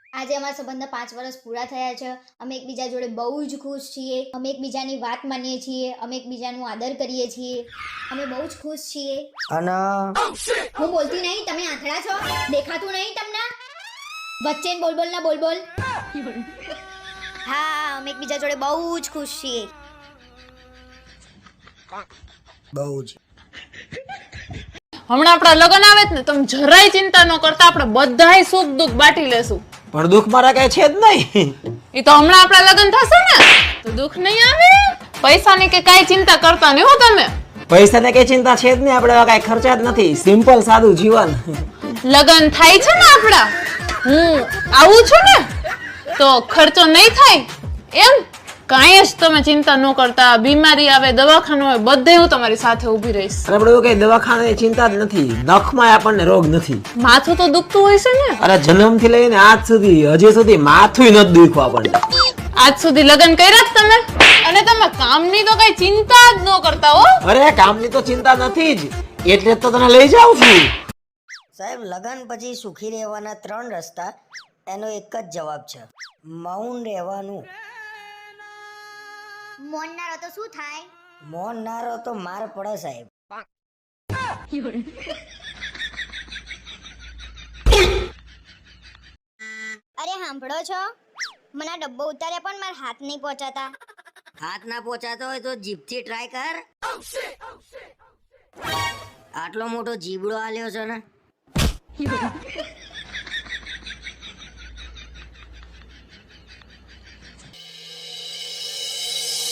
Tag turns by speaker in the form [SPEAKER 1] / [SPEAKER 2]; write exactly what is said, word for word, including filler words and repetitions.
[SPEAKER 1] આજે અમારા સંબંધના પાંચ વર્ષ પૂરા થયા છે. અમે એકબીજા જોડે બહુ જ ખુશ છીએ. અમે એકબીજાની વાત માનીએ છીએ. અમે એકબીજાનું આદર કરીએ છીએ. અમે બહુ જ ખુશ છીએ.
[SPEAKER 2] અને
[SPEAKER 1] હું બોલતી નહીં, તમે આંધળા છો? દેખાતું નહીં તમને? વચ્ચે બોલ બોલ ના બોલ બોલ. હા, અમે એકબીજા જોડે બહુ જ ખુશ છીએ.
[SPEAKER 2] બહુ જ
[SPEAKER 3] હમણાં આપણા લગ્ન આવે જ ને તમે જરાય ચિંતા ન કરતા, આપણે બધાય સુખ દુઃખ બાટી લેશું.
[SPEAKER 2] પણ દુઃખ મારા કઈ છે જ નહીં.
[SPEAKER 3] એ તો હમણાં આપણા લગ્ન થશે ને તો દુઃખ નહીં આવે. પૈસાની કે કાંઈ ચિંતા કરતા નહીં હો તમે.
[SPEAKER 2] પૈસાને કઈ ચિંતા છે જ નહીં. આપણે એવા કઈ ખર્ચા જ નથી. સિમ્પલ સાદું જીવન.
[SPEAKER 3] લગ્ન થાય છે ને આપણા, હું આવું છું ને તો ખર્ચો નહીં થાય એમ. કાંઈ જ તમે ચિંતા ન કરતા. બીમારી આવે, દવાખાનું હોય, બધે હું તમારી સાથે ઊભી રહીશ.
[SPEAKER 2] અને આપણે એવું કઈ દવાખાનાની ચિંતા જ નથી. નખમાં આપણને રોગ નથી.
[SPEAKER 3] માથું તો દુખતું હોય છે ને.
[SPEAKER 2] અરે જન્મથી લઈને આજ સુધી હજી સુધી માથું નથી દુખ્યું આપણને.
[SPEAKER 3] આજ સુધી લગ્ન કર્યા જ તમે, અને તમે કામની તો કઈ ચિંતા જ ન કરતા હો.
[SPEAKER 2] અરે કામની તો ચિંતા નથી જ, એટલે તો તને લઈ જાઉં છું.
[SPEAKER 4] સાહેબ, લગન પછી સુખી રહેવાના ત્રણ રસ્તા, એનો એક જ જવાબ છે, મૌન રહેવાનું.
[SPEAKER 1] મૌન ના રહો તો શું થાય?
[SPEAKER 4] મૌન ના રહો તો માર પડે સાહેબ.
[SPEAKER 1] અરે સાંભળો છો? મને આ ડબ્બો ઉતાર્યા પણ મારા હાથ નહીં પહોંચાતા.
[SPEAKER 4] હાથ ના પહોંચાતો હોય તો જીભથી ટ્રાય કર. આટલો મોટો જીબડો આલ્યો છે ને.